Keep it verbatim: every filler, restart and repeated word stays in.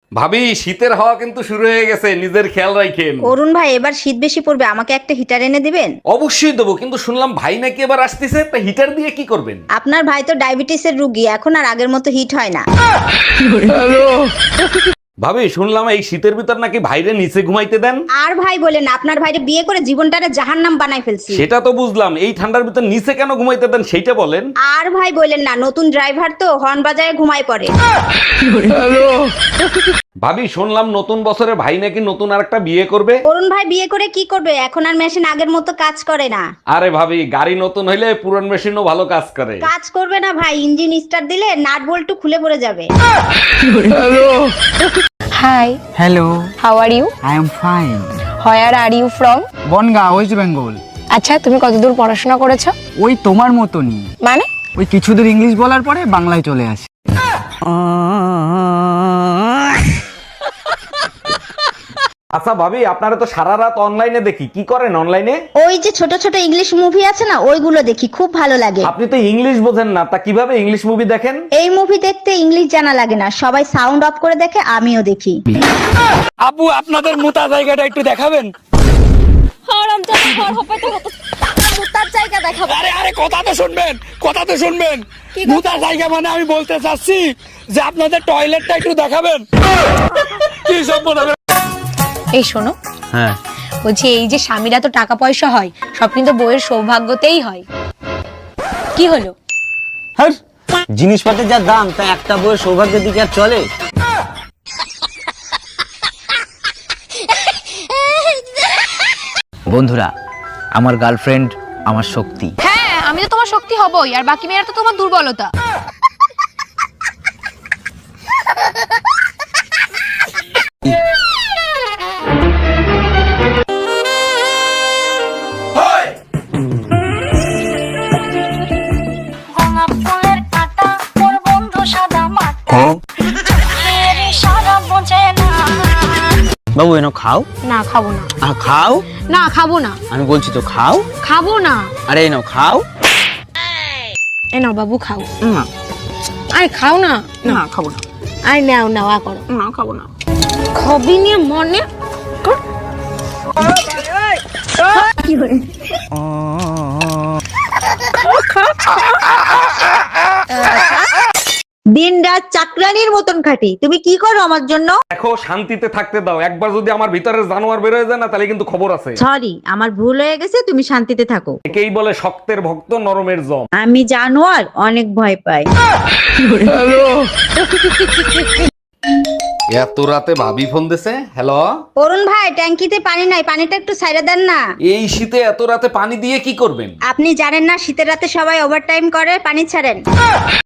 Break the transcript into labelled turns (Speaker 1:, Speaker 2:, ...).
Speaker 1: ভাবি শীতের হাওয়া কিন্তু শুরু হয়ে গেছে, নিজের খেয়াল রাখেন।
Speaker 2: অরুণ ভাই এবার শীত বেশি পড়বে, আমাকে একটা হিটার এনে দিবেন?
Speaker 1: অবশ্যই দেবো, কিন্তু শুনলাম ভাই নাকি এবার আসতেছে, তা হিটার দিয়ে কি করবেন?
Speaker 2: আপনার ভাই তো ডায়াবেটিসের রুগী, এখন আর আগের মতো হিট হয় না।
Speaker 1: ভাবি শুনলাম এই শীতের ভিতর নাকি ভাইরে নিচে ঘুমাইতে দেন।
Speaker 2: আর ভাই বলেন, আপনার ভাইরে বিয়ে করে জীবনটারে জাহান্নাম বানাই ফেলছি।
Speaker 1: সেটা তো বুঝলাম, এই ঠান্ডার ভিতর নিচে কেন ঘুমাইতে দেন সেইটা বলেন।
Speaker 2: আর ভাই বলেন না, নতুন ড্রাইভার তো হর্ন বাজায় ঘুমায় পড়ে।
Speaker 1: ভাবি শুনলাম নতুন বছরে ভাই নাকি নতুন আরেকটা বিয়ে করবে।
Speaker 2: অরুণ ভাই বিয়ে করে কি করবে? এখন আর মেশিন আগের মতো কাজ করে না।
Speaker 1: আরে ভাবি গাড়ি নতুন হইলে পুরান মেশিনও ভালো কাজ করে।
Speaker 2: কাজ করবে না ভাই, ইঞ্জিন স্টার্ট দিলে নাট বল্টু খুলে পড়ে যাবে।
Speaker 3: Hi,
Speaker 4: Hello,
Speaker 3: how are you?
Speaker 4: I am fine.
Speaker 3: Where are you from?
Speaker 4: Bongaon West Bengal.
Speaker 3: আচ্ছা, তুমি কতদূর পড়াশোনা করেছো?
Speaker 4: ওই তোমার মতনই,
Speaker 3: মানে?
Speaker 4: ওই কিছু দূর ইংলিশ বলার পরে বাংলায় চলে আসি।
Speaker 1: আচ্ছা ভাবি, আপনারা তো সারা রাত অনলাইনে দেখি, কি করেন অনলাইনে?
Speaker 2: ওই যে ছোট ছোট ইংলিশ মুভি আছে না, ওইগুলো দেখি, খুব ভালো লাগে।
Speaker 1: আপনি তো ইংলিশ বোঝেন না, তা কিভাবে ইংলিশ মুভি দেখেন?
Speaker 2: এই মুভি দেখতে ইংলিশ জানা লাগে না, সবাই সাউন্ড অফ করে দেখে, আমিও দেখি।
Speaker 5: আপু আপনাদের মোতা জায়গাটা একটু দেখাবেন? আরে আরে কথা তো শুনবেন, কথা তো শুনবেন। মোতা জায়গা মানে আমি বলতে চাচ্ছি যে আপনাদের টয়লেটটা একটু দেখাবেন। কি সব বলবেন?
Speaker 3: এই শোনো,
Speaker 4: হ্যাঁ,
Speaker 3: বলছি এই যে স্বামীরা তো টাকা পয়সা হয়, সব কিন্তু বউয়ের সৌভাগ্যতেই হয়। কি হলো?
Speaker 6: হ্যাঁ, জিনিসপত্রের যা দাম, তা একটা বইয়ের সৌভাগ্যের দিকে আর চলে? বন্ধুরা, আমার গার্লফ্রেন্ড আমার শক্তি।
Speaker 3: হ্যাঁ, আমি তো তোমার শক্তি হবই, আর বাকি মেয়েরা তো তোমার দুর্বলতা।
Speaker 7: গোলাপ ফুলের কাঁটা মোর বন্ধু সাদা মাটা এর ইশারা বোঝে না।
Speaker 6: বাবু এনো খাও।
Speaker 3: না, খাবো না।
Speaker 6: আহ, খাও,
Speaker 3: না, খাবো না।
Speaker 6: আমি বলছি তো খাও।
Speaker 3: খাবো না।
Speaker 6: আরে এনো খাও।
Speaker 3: এ নাও বাবু, খাও।
Speaker 6: না
Speaker 3: আরে খাও না।
Speaker 6: না খাবো না।
Speaker 3: আরে নাও নাও, আ করো।
Speaker 6: না খাবো না।
Speaker 3: খবি নিয়ে মনে কর।
Speaker 2: দিন রাত চাকরানির মতন খাটি, তুমি কি করো আমার জন্য?
Speaker 1: দেখো শান্তিতে থাকতে দাও, একবার যদি আমার ভিতরে জানোয়ার বের হয়ে যায় না, তাহলে কিন্তু খবর আছে।
Speaker 2: সরি, আমার ভুল হয়ে গেছে, তুমি শান্তিতে থাকো।
Speaker 1: একেই বলে শক্তের ভক্ত নরমের জম।
Speaker 2: আমি জানোয়ার অনেক ভয় পাই।
Speaker 1: এত রাতে ভাবি ফোন দিছে। হ্যালো,
Speaker 2: অরুণ ভাই, ট্যাঙ্কিতে পানি নাই, পানিটা একটু ছাইড়া দেন না।
Speaker 1: এই শীতে এত রাতে পানি দিয়ে কি করবেন?
Speaker 2: আপনি জানেন না শীতের রাতে সবাই ওভারটাইম করে, পানি ছাড়েন।